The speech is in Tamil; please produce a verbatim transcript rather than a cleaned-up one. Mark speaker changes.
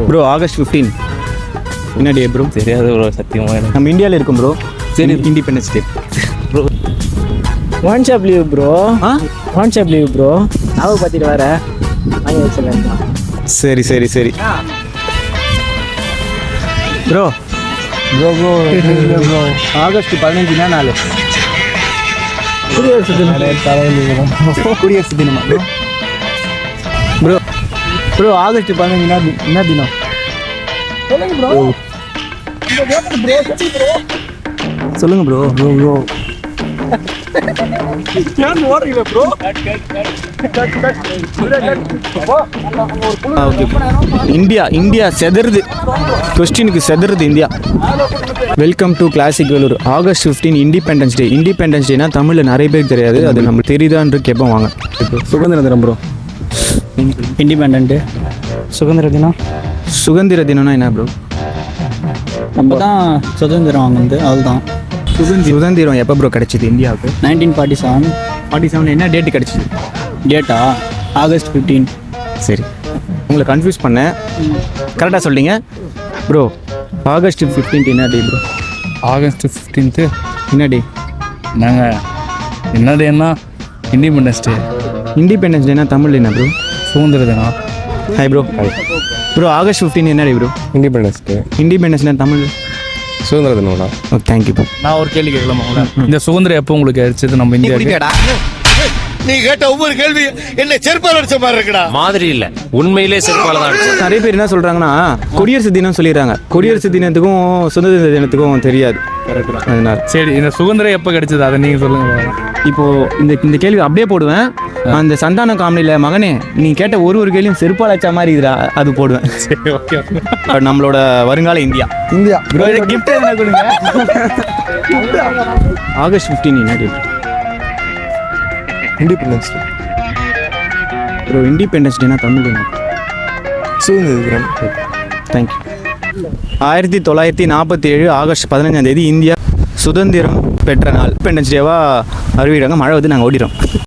Speaker 1: ப்ரோ ஆகஸ்ட் ஃபிஃப்டீன் என்ன டே ப்ரோ?
Speaker 2: தெரியாது ப்ரோ, சத்தியமாக எனக்கு.
Speaker 1: நம்ம இந்தியாவில் இருக்கும் ப்ரோ.
Speaker 2: சரி,
Speaker 1: independence day
Speaker 2: bro.
Speaker 3: One shop leave bro.
Speaker 1: ஆ
Speaker 3: ஒன் ஷாப் லீவ் ப்ரோ. நாவை பார்த்துட்டு வர வாங்கி வச்சிடலாம்.
Speaker 1: சரி சரி சரி bro
Speaker 2: bro bro bro
Speaker 1: August பதினஞ்சுனா நாலு
Speaker 3: குடியரசு தினம்.
Speaker 1: குடியரசு தினமா ப்ரோ? ப்ரோ ப்ரோ ஆகஸ்ட் பதினஞ்சுனா என்ன தினம்? சொல்லுங்க bro. Bro bro India India செதறுது. கொஸ்டினுக்கு செதறுது India. Welcome to classic Vellore. August fifteen independence day. Independence டேனா தமிழில் நிறைய பேருக்கு தெரியாது, அது நம்ம தெரியுதான்னு கேட்போம் வாங்க. சுதந்திர தினம் ப்ரோ.
Speaker 3: இண்டிபெண்ட் சுதந்திர தினம்.
Speaker 1: சுதந்திர தினம்னா என்ன ப்ரோ?
Speaker 3: நம்ம தான் சுதந்திரம் வாங்குது, அதுதான்.
Speaker 1: சுதந்திரம் எப்போ ப்ரோ கிடச்சிது இந்தியாவுக்கு?
Speaker 3: Nineteen forty seven.
Speaker 1: Forty seven என்ன டேட்டு கிடச்சிது?
Speaker 3: டேட்டா ஆகஸ்ட் ஃபிஃப்டீன்.
Speaker 1: சரி, உங்களை கன்ஃபியூஸ் பண்ணேன், கரெக்டாக சொல்லிங்க ப்ரோ. ஆகஸ்ட் ஃபிஃப்டீன்த் என்ன டே ப்ரோ?
Speaker 2: ஆகஸ்ட் ஃபிஃப்டீன்த்து
Speaker 1: என்ன டே?
Speaker 2: நாங்கள் என்ன டேன்னா இண்டிபெண்டன்ஸ் டே.
Speaker 1: இண்டிபெண்டன்ஸ் டேனா தமிழ் என்ன ப்ரோ?
Speaker 2: சுதந்திர தினம்.
Speaker 1: Hi bro. Bro August fifteen என்ன டே ப்ரோ?
Speaker 4: Independence day.
Speaker 1: இண்டிபெண்டன்ஸ்னா தமிழ்
Speaker 4: சுதந்திர தினம்னா.
Speaker 1: Okay, thank you bro.
Speaker 2: நான் ஒரு கேள்வி கேட்கலாமா? இந்த சுதந்திரம் எப்போ உங்களுக்கு கிடைச்சது நம்ம இந்தியாவுக்கு?
Speaker 5: நீ கேட்ட ஒவ்வொரு கேள்வி என்ன செருப்பால் அடிச்ச மாதிரி இருக்குடா.
Speaker 6: மாதிரி இல்ல, உண்மையிலே செருப்பால தான் அடிச்சது.
Speaker 1: நிறைய பேர் என்ன சொல்கிறாங்கன்னா குடியரசு தினம் சொல்லிடுறாங்க. குடியரசு தினத்துக்கும் சுதந்திர தினத்துக்கும் தெரியாது. அதனால
Speaker 2: சரி, இந்த சுதந்திரம் எப்போ கிடைச்சது அதை நீங்கள் சொல்லுங்கள்.
Speaker 1: இப்போது இந்த இந்த கேள்வி அப்படியே போடுவேன். அந்த சந்தான காமெடியில் மகனே நீ கேட்ட ஒரு ஒரு கேள்வியும் செருப்பால் அடிச்ச மாதிரி இதுடா, அது போடுவேன்.
Speaker 2: சரி, ஓகே.
Speaker 1: நம்மளோட வருங்கால இந்தியா.
Speaker 4: இந்தியா
Speaker 1: ப்ரோ கிஃப்ட் என்ன கொடுங்க. ஆகஸ்ட் ஃபிஃப்டீன் என்ன day?
Speaker 4: Independence day.
Speaker 1: Bro independence டேனா தமிழ் என்ன?
Speaker 4: சுதந்திர தினம்.
Speaker 1: தேங்க்யூ. ஆயிரத்தி தொள்ளாயிரத்தி நாற்பத்தி ஏழு ஆகஸ்ட் பதினஞ்சாம் தேதி இந்தியா சுதந்திரம் பெற்ற நாள். இண்டிபெண்டன்ஸ் டேவாக அறிவிக்கிறாங்க. மழை வந்து நாங்கள் ஓடிடுறோம்.